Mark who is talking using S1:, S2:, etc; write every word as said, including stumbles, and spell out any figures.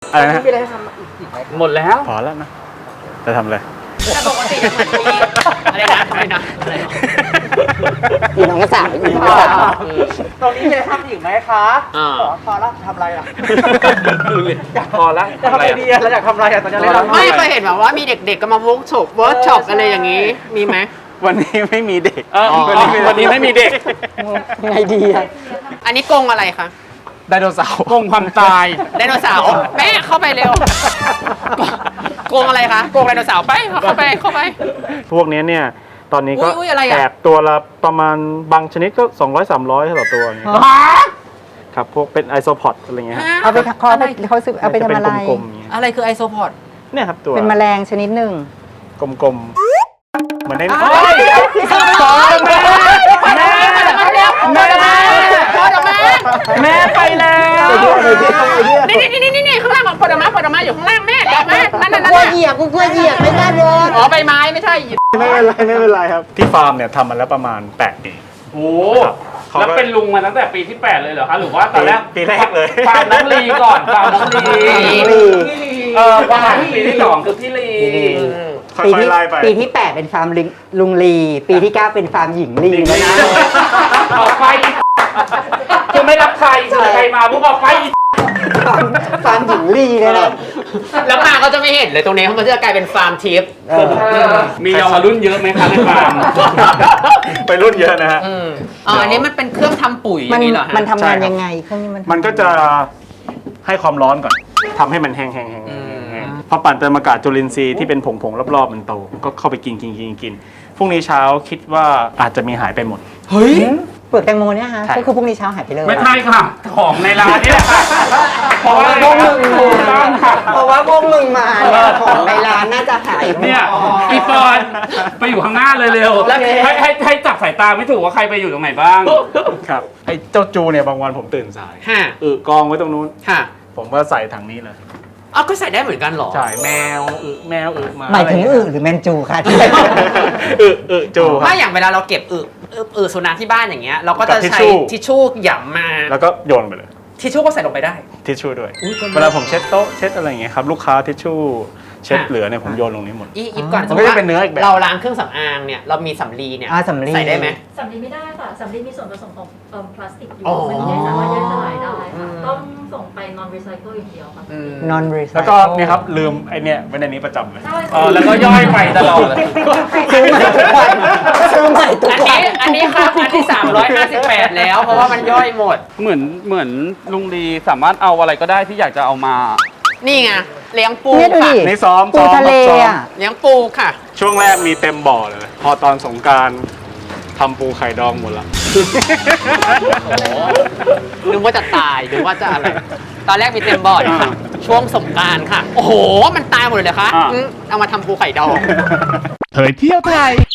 S1: อะไรนะ
S2: มีอะไรทำอีกไหมหมดแล้ว
S1: พอแล้วนะจะทำอะไร
S3: แต่ปกติจะเหมือนมีอะไรนะอะไรนะอะไรนะ
S4: อีน้องก็สาวอีน้องก็สาว
S2: ตรงนี้มีอะไรทำอีกไหมคะ
S3: อ่า
S2: พอแล้วทำอะไรอ่ะ
S5: พอแล้ว
S2: จะทำอะไรดีอะเราอยากทำอะไรอะตอนนี้เรา
S3: ไม่เคยเห็นแบบว่ามีเด็กๆก็มาเวิร์กช็อปเวิร์กช็อปอะไรอย่างนี้มีไหม
S1: วันนี้ไม่มีเด็ก
S5: เออวันนี้ไม่มีเด็ก
S4: ไงดีอะ
S3: อันนี้กรงอะไรคะ
S1: ไดโนเสาร์
S5: กงความตาย
S3: ไดโนเสาร์แม่เข้าไปเร็วกรงอะไรคะกรงไดโนเสาร์ไปเข้าไปเข้าไป
S1: พวกนี้เนี่ยตอนนี้ก็
S3: อุ๊ยอุ๊ยอะไรอะ
S1: แอบตัวละประมาณบางชนิดก็สองร้อย สามร้อยต่อตัวอย่างเงี้ยครับพวกเป็นไอโซพอดอะไรเงี้ยฮะ
S4: เอาไปเขาเอาไปเขาซื้อเอาไปทำอะไร
S1: จเป็นกลมๆอย่างเงี้ย
S3: อะไรคือไอโซพอด
S1: เนี่ยครับตัว
S4: เป็นแมลงชนิดหนึ่ง
S1: กลมๆเหมือนใน
S3: สองแม่แม่แม่แม่พอดออกมา
S5: แม่ไปแล้ว
S3: นี่นี่นี่นี่นี่ข้างล่างพอดออกมาพอดออกมาอยู่ข้างล่างแม่เดี๋ยวแม่นั่นนั่น
S4: กลัว
S3: นั่น
S4: เหยียบกูกลัวเหยียบไม่ได้โดน
S3: อ๋อใบไม้ไม่ใช่
S1: ไม่เป็นไรไม่เป็นไรครับ ที่ฟาร์มเนี่ยทำมาแล้วประมาณแปดปี
S5: โอ้แล้วเป็นลุงมาตั้งแต่ปีที่แปดเลยเหรอคะหรือว่าตอนแรก
S1: ปีแรกเลย
S5: ฟาร์มน้องลีก่อนฟาร์มน้องลีเออฟาร์มปีที่สองคือพี่ลี
S1: ค่
S4: ปี
S1: อย
S4: ที่
S1: ๆไล่ไป
S4: ปีที่แปดเป็นฟาร์มลิงลุงลี ปีที่เก้าเป็นฟาร์มหญิงลีแล้วนะ
S5: ออกไปคือไม่รับใครคือใครมาพวกออกไป
S4: ฟาร์มฟาร์มหญิงลีเลยนะ
S3: แล้วมาก็จะไม่เห็นเลยตรงนี้เพราะมันจะกลายเป็นฟาร์มทิพย์
S4: เออ
S5: มีเยาวรุ่นเยอะไหมคะในฟาร์ม
S1: ไปรุ่นเยอะนะฮะ
S3: อืมอ๋ออันนี้มันเป็นเครื่องทำปุ๋ยอ
S4: มัน
S3: ย่างนี้เหรอฮะ
S4: มันทำงาน
S1: ใช่ครับ
S4: ยังไงเครื่องนี้มันทำ
S1: มันก็จะให้ความร้อนก่อนทำให้มันแห้งๆแห้งๆแห้ง
S3: อืม
S1: ๆแห้งๆพอปั่นเติมอากาศจุลินทรีย์ที่เป็นผงๆรอบๆมันโตก็เข้าไปกินกินกินกินพรุ่งนี้เช้าคิดว่าอาจจะมีหายไปหมด
S3: เฮ้ย
S4: เปลือกแตงโมเนี่ยฮะ
S1: ใช่
S4: ก็คือพรุ่งนี้เช้าหายไปเลย
S5: ไม่ใช่ค่ะ ของในร้านนี่แหละค่ะเพราะว่า
S4: พวกมึง
S5: ถูกต้องค่ะ
S4: เพราะว่าพวกมึงมาเนี่ยของในร้านน่าจะหายหมด
S5: เนี่ยอีปอนไปอยู่ข้างหน้าเลยเร็วให้ให้ให้จับสายตาไม่ถูกว่าใครไปอยู่ตรงไหนบ้าง
S1: ครับไอ้เจ้าจูเนี่ยบางวันผมตื่นสาย
S3: ฮะ
S1: เออกองไว้ตรงนู้น
S3: ฮะ
S1: ผมก็ใส่ถังนี้เลย
S3: อ๋อก็ใส่ได้เหมือนกันเหรอ
S1: ใช่แมวอึแมวอึมา
S4: หมายถึงอึหรือแมนจูค่ะที่
S1: อึอึจูครั
S3: ถ้า
S1: บ
S3: อย่างเวลาเราเก็บอึอึอึสุนัขที่บ้านอย่างเงี้ยเราก็จะ
S1: กับทิช
S3: ใช้
S1: ชู่
S3: ทิชชู่หย่ำมา
S1: แล้วก็โยนไปเลย
S3: ทิชชู่ก็ใส่ลงไปได้
S1: ทิชชู่ด้วย
S3: อุ๊ยก็
S1: เวลาผมเช็ดโต๊ะเช็ดอะไรอย่างเงี้ยครับลูกค้าทิชชู่เช็ด
S3: อ่ะ
S1: เหลือเนี่ยผมโยนลงนี้หมด
S3: อีอีฟก่อน
S1: มันก็จะเป็นเนื้ออีกแบบ
S3: เราล้างเครื่องสำอางเนี่ยเรามีสำลีเนี่ย
S4: อ่าสำลี
S3: ใส่ได้ไหม
S6: สำลีไม่ได้ค่ะ สำลีมีส่วนผสมของเอิ่มพลาสติกอยู่
S3: อ๋อ
S6: มันไม่สามารถย่อยสลายได้
S3: อื
S6: ค่ะ
S3: ม
S6: ต้องส่งไป non recycle อย่างเดียวค่ะ
S3: อืม
S4: non recycle
S1: แล้วก็เนี่ยครับลืมไอเนี่ยไว้ในนี้ประจำเลย
S6: ใช่
S5: อ๋อแล้วก็ย่อยไปตลอดเลย
S4: ซื้อใหม่ทุกวันซื้อใหม่ทุก
S3: อัน
S4: วั
S3: นี้
S4: น
S3: อันนี้ครับอันที่สามร้อยห้าสิบแปดแล้ว เพราะว่ามันย่อยหมด
S5: เหมือนเหมือนลุงลีสามารถเอาอะไรก็ได้ที่อยากจะเอามา
S3: นี่ไงเลี้ยงปู
S4: เนี่ยดู
S3: ค่ะ
S4: ดิ
S1: นี่ซ้อม
S4: ปู
S1: ซ้อม
S4: ทะเล
S1: ซ้อม
S4: อ่ะ
S3: เลี้ยงปูค่ะ
S1: ช่วงแรกมีเต็มบ่อเลย พอตอนสงกรารทำปูไข่ดองหมดละ
S3: โอ้นึกว่าจะตายนึกว่าจะอะไร ตอนแรกมีเต็มบอร์ดค่ะ ช่วงสงกรารค่ะ โอ้โห มันตายหมดเลยเหรอคะ
S5: อ่า
S3: อืมเอามาทำปูไข่ดอง
S7: เผยเที่ยวไทย